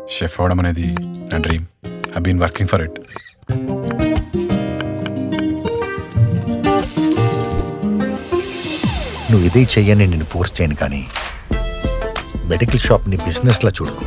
Chef అవడం అనేది నా dream. I been working for it. నువ్వు ఇదే చెయ్యని నేను ఫోర్స్ చేయను, కానీ మెడికల్ షాప్ని బిజినెస్లా చూడకు.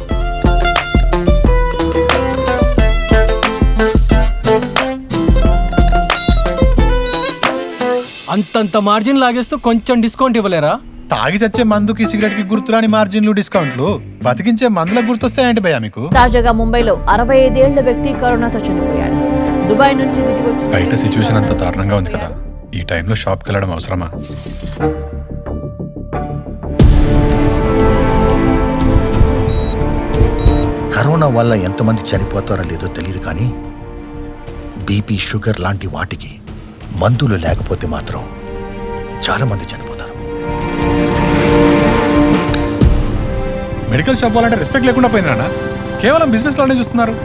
అంతంత మార్జిన్ లాగేస్తూ కొంచెం డిస్కౌంట్ ఇవ్వలేరా? తాగి చచ్చే మందుకి సిగరెట్కి గుర్తురాని మార్జిన్లు, డిస్కౌంట్లు. బతికించే మందులకు గుర్తొస్తాయంటే భయ్యా మీకు? తాజాగా ముంబైలో 65 ఏళ్ల వ్యక్తి కరోనాతో చనిపోయాడు. దుబాయ్ నుంచి దిగి వచ్చి బయట సిచ్యువేషన్ అంత దారుణంగా ఉంది కదా, ఈ టైంలో షాప్కి వెళ్ళడం అవసరమా? కరోనా వల్ల ఎంతమంది చనిపోతారో లేదో తెలియదు, కానీ బీపీ, షుగర్ లాంటి వాటికి మందులు లేకపోతే మాత్రం చాలా మంది చనిపోతారు. మెడికల్ షాప్ వాళ్ళంటే రెస్పెక్ట్ లేకుండా పోయిందా? కేవలం బిజినెస్ లోనే చూస్తున్నారు.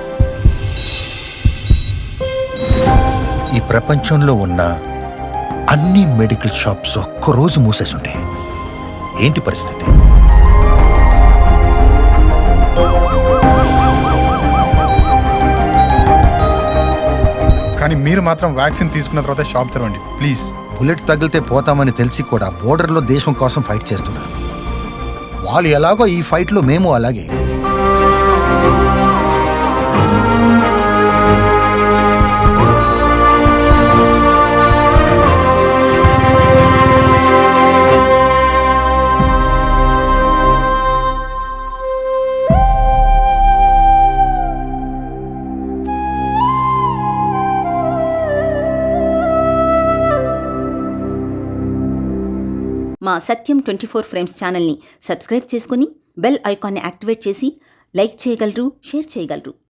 ఈ ప్రపంచంలో ఉన్న అన్ని మెడికల్ షాప్స్ ఒక్కరోజు మూసేసి ఉంటే ఏంటి పరిస్థితి? కానీ మీరు మాత్రం వ్యాక్సిన్ తీసుకున్న తర్వాత షాప్ తెరవండి ప్లీజ్. బుల్లెట్ తగిలితే పోతామని తెలిసి కూడా బోర్డర్లో దేశం కోసం ఫైట్ చేస్తున్నారు. వాళ్ళు ఎలాగో ఈ ఫైట్లో మేము అలాగే. మా సత్యం 24 ఫ్రేమ్స్ ఛానల్ని సబ్స్క్రైబ్ చేసుకుని బెల్ ఐకాన్ని యాక్టివేట్ చేసి లైక్ చేయగలరు, షేర్ చేయగలరు.